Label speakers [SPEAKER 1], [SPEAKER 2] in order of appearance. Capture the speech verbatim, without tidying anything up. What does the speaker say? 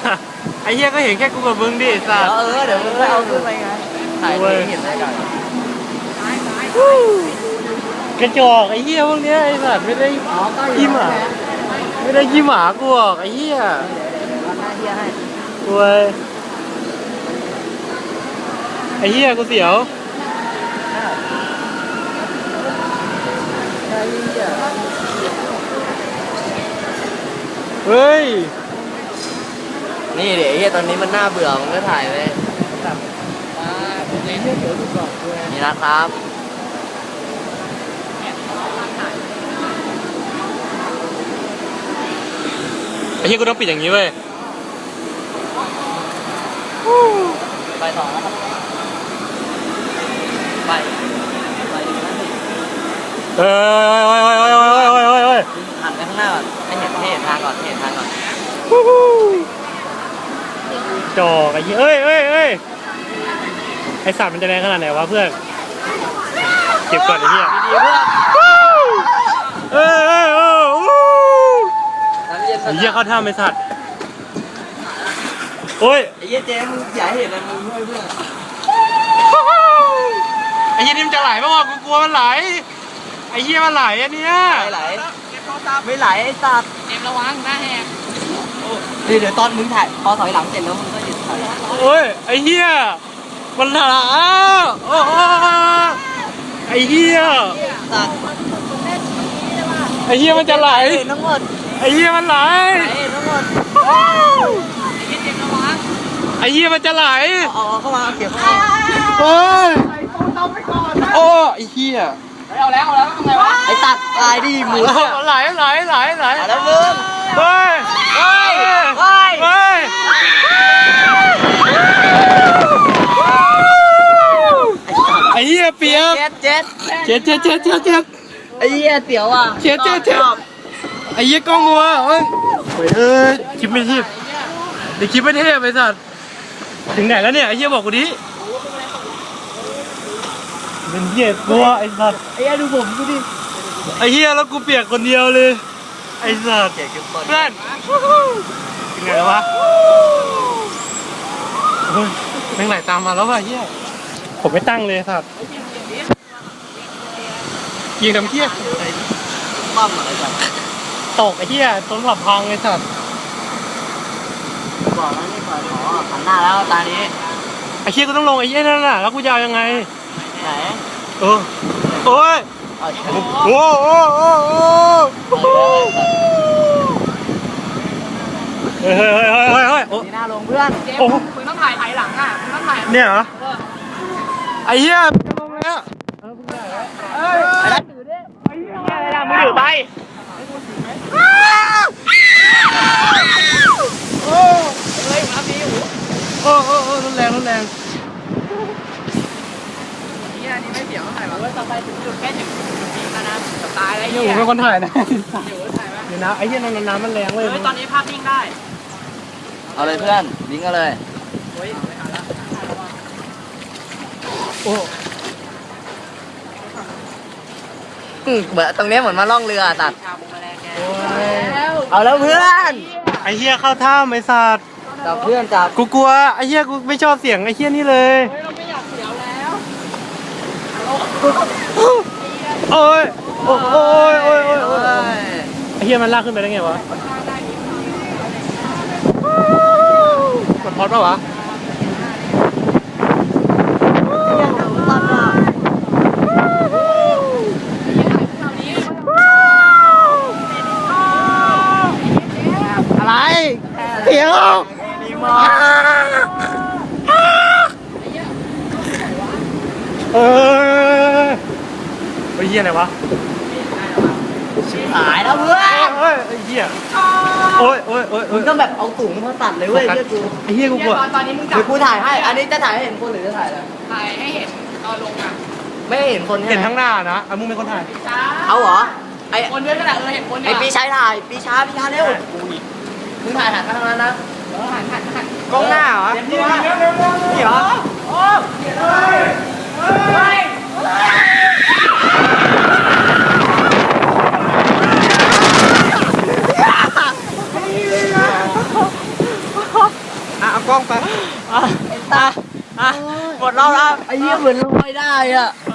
[SPEAKER 1] ไอ้เหี้ยก็เห็นแค่กูกับมึงดิสัส
[SPEAKER 2] เออเดี๋ยวมึงไปเอาขึ้นไปไงถ่ายเห็นได้ก่อน
[SPEAKER 1] กระจอกไอ้เหี้ยพวกเนี้ยไอ้สัสไม่ได้ขี้หมาไม่ได้ขี้หมากูหรอกไอ้เหี้ย
[SPEAKER 2] เอาหน้าเฮียให้
[SPEAKER 1] กูเว้ยไอ้เหี้ยกูเสียว
[SPEAKER 2] ใช่เฮีย
[SPEAKER 1] เฮ้ย
[SPEAKER 2] นี่เดี๋ยวเฮียตอนนี้มันน่าเบื่อมึงก็ถ่ายเลยนี่นะครับ
[SPEAKER 1] ไอ้เหี้ยกูต้องปิดอย่างนี้เว้ย
[SPEAKER 2] ไปต่อนะครับไปไปนั่นสิ
[SPEAKER 1] เฮ้ยเฮ้ยเฮ้ยเฮ้ยเฮ้ยเฮ้ยเฮ้ยเฮ้ย
[SPEAKER 2] หันไปข้างหน้าก่อนให้เห็นให้เห็นทางก่อนให้เห็นทางก่อน
[SPEAKER 1] จอกไอ้เหี้ยเอ้ยเอ้ยเอ้ยไอ้สัตว์มันจะแรงขนาดไหนวะเพื่อนเก็บก่อนไอ้เหี้ย
[SPEAKER 2] ดีๆเพื่อน
[SPEAKER 1] เอ้ยเอ้ยเอ้ย
[SPEAKER 2] น้ำเย็น
[SPEAKER 1] ไอ้เหี้ยเข้าท่าไอ้สัตว์โอ้ย
[SPEAKER 2] ไอ้เหี้ยเจ๊มึงอย่าให้เห็นนะมึงด้วยเพื่อน
[SPEAKER 1] ไอ้เหี้ยนี่มันจะไหลป่าวะกูกลัวมันไหลไอ้เหี้ยมันไหลอันเนี้ย
[SPEAKER 2] ไม่ไหลไม่ไหลไอ้สัตว์
[SPEAKER 3] เอ็มระวังหน้าแหก
[SPEAKER 2] เดี๋ยวเดี๋ยวตอนมึงถ่ายพอถอยหลังเสร็จแล้วมึงก็หยุดถ่าย
[SPEAKER 1] โอ้ยไอ้เหี้ยมันไหลโอ้ไอ้เหี้ย
[SPEAKER 2] สัตว์
[SPEAKER 1] ไอ้เหี้ยมันจะไหล
[SPEAKER 2] เห็นทั้งหมด
[SPEAKER 1] ไอ้เหี้ยมันไหล
[SPEAKER 2] เห็นทั้งหมด
[SPEAKER 3] ไอ้เอ็มระวัง
[SPEAKER 1] ไอ้เหี้ยมันจะไหล
[SPEAKER 2] เอาเอาเข้ามาเอาเก็บเข้ามา
[SPEAKER 1] โอ้ยโอ้ไอ้เหี้ย
[SPEAKER 3] เอาแล้วเอาแล้วทำไงวะ
[SPEAKER 2] ไอ้ตัดตายดิหมู
[SPEAKER 1] ไหลไหลไหลไหล
[SPEAKER 2] แล้วมึง
[SPEAKER 1] เฮ้ยเฮ้ย
[SPEAKER 2] เฮ้ย
[SPEAKER 1] เฮ้ยไอ้เหี้ยเปียก
[SPEAKER 2] เจ็ดเจ็ด
[SPEAKER 1] เจ็ดเจ็ดเจ็ดเจ็ดเจ็ด
[SPEAKER 2] ไอ้เหี้ยเตี๋ยวอ่ะ
[SPEAKER 1] เจ็ดเจ็ดเจ็ดไอ้เหี้ยกล้องมัวเฮ้ยเอ้ยคลิปไม่เทพเดี๋ยวคลิปไม่เทพไอ้สัตว์ถึงไหนแล้วเนี่ยไอ้เหี้ยบอกกูดิเป็นเหี้ยกลัวไอ้สัตว์
[SPEAKER 2] ไอ้เหี้ยดูผมดูดิ
[SPEAKER 1] ไอ้เหี้ยแล้วกูเปียกคนเดียวเลยไอ้สัตว์
[SPEAKER 2] เก็บเก็บก่อน
[SPEAKER 1] เพื่อนถึงไหนแล้ววะเฮ้ยแม่งไหลตามมาแล้วว่ะเหี้ยผมไม่ตั้งเลยสัตว์ยิงทำเหี้ย
[SPEAKER 2] ปั้มอะไรกัน
[SPEAKER 1] ตกไอ้เหี้ยต้นหลับพังไอ้สัตว์
[SPEAKER 2] บอกแล้วนี่เปิดขอหันหน้าแล้วตานี้
[SPEAKER 1] ไอ้เหี้ยกูต้องลงไอ้เหี้ยนั่นน่ะแล้วกูจะเอายังไง
[SPEAKER 2] ไหน
[SPEAKER 1] เออโอ้ย
[SPEAKER 2] เอาเชือก
[SPEAKER 1] โอ้โอ้โอ้โอ้เฮ้ยเฮ้ยเฮ้ยเฮ้ยเฮ้ยเฮ้ยโอ้
[SPEAKER 2] นี่หน้าลงเพื่อน
[SPEAKER 3] เจม
[SPEAKER 1] โอ้
[SPEAKER 3] มึงต้องถ่ายถ่ายหลังอ่ะมึงต้องถ่าย
[SPEAKER 1] เนี่ยเหรอไอ้เหี้ยลงแล้ว
[SPEAKER 2] ไอ้นัทถือดิ
[SPEAKER 1] อะไรล่ะมือถือไปโอ้
[SPEAKER 3] เฮ้ยมาพี่หู
[SPEAKER 1] โอ้โอ้โอ้รุนแรงรุนแรง
[SPEAKER 3] นี่อันนี้ไม่เสียวถ่ายมาว่าต่อไปถึงจุดแค่ถึงจุดนี้แล้วนะจะตายอะไร
[SPEAKER 1] นี่
[SPEAKER 3] เงี้
[SPEAKER 1] ผม
[SPEAKER 3] ย
[SPEAKER 1] เป็นคนถ่ายนะ
[SPEAKER 3] อยู่ถ่ายมา
[SPEAKER 1] เดี๋ยวนะไอ้เหี้ยน้ำน้ำมันแรงเว้ย
[SPEAKER 3] เฮ้ยตอนนี้ภาพนิ่งได้
[SPEAKER 2] เอาเลยเพื่อนลิงก์เอาเลย
[SPEAKER 3] เฮ้ยไม่ทันละ
[SPEAKER 1] โอ้
[SPEAKER 2] อืมเหมือนตรงนี้เหมือนมาล่องเรือตัด
[SPEAKER 3] ชาบูมาแรงแก
[SPEAKER 2] เอาแล้วเพื่อน
[SPEAKER 1] ไอ้เหี้ยเข้าท่าไอ้สัตว์
[SPEAKER 2] จับเพื่อนจับ
[SPEAKER 1] กูกลัวไอ้เหี้ยกูไม่ชอบเสียงไอ้เหี้ยนี่เลย
[SPEAKER 3] เฮ้ยเราไม่อยากเสียวแล้ว
[SPEAKER 1] โอ้ยโอ้ยโอ้ยโอ้ยโอ้ย
[SPEAKER 2] โอ้ย
[SPEAKER 1] ไอ้เหี้ยมันลากขึ้นไปได้ไงวะกดพอดป่าวะอะไรเดี๋ยวดีมากเออไอ้เหี้ยอะไรวะ
[SPEAKER 2] หายแล้วเพื่อน
[SPEAKER 1] เฮ้ยไอ้เหี้ยโอ้ยโอ้ยโอ้ยโอ้
[SPEAKER 2] มึ
[SPEAKER 1] ย
[SPEAKER 2] งต้องแบบเอาถุงมาตัดเลยเว้ยเพื่อนกู
[SPEAKER 1] ไอ้เหี้ยกู
[SPEAKER 3] เนี่
[SPEAKER 1] กลั
[SPEAKER 3] ยว ตอนตอนนี้มึงจั
[SPEAKER 2] เดี๋
[SPEAKER 3] บ
[SPEAKER 2] ยวกูถ่ายให้ อันนี้จะถ่ายให้เห็นคนหรือจะถ่ายอะไร
[SPEAKER 3] ถ่ายให้เห็นตอนลงอ่ะ
[SPEAKER 2] ไม่ให้เห็นคนใช่
[SPEAKER 1] เห็น
[SPEAKER 2] ไหม
[SPEAKER 1] ทั้งหน้านะอ่ะมึงเป็นคนถ่าย
[SPEAKER 3] ช้า
[SPEAKER 2] เอาเหรอ ไอ
[SPEAKER 3] คนด้วยก็ได้เออเห็นคน
[SPEAKER 2] ไอปีชายถ่าย ปีชาปีชาเร็วมึงถ่ายหันมาทางนั้นนะ
[SPEAKER 3] เออหันหันหัน
[SPEAKER 1] กล้องหน้าเหรอ
[SPEAKER 2] เต็มตัวนี่เหรอ
[SPEAKER 3] โอ้ยเฮ้ย
[SPEAKER 1] กล้องไป
[SPEAKER 3] อ่ะอ่ะอ่ะหมดรอบแล้ว
[SPEAKER 2] ไอ้เหี้ยเหมือนลอยได้อ่ะ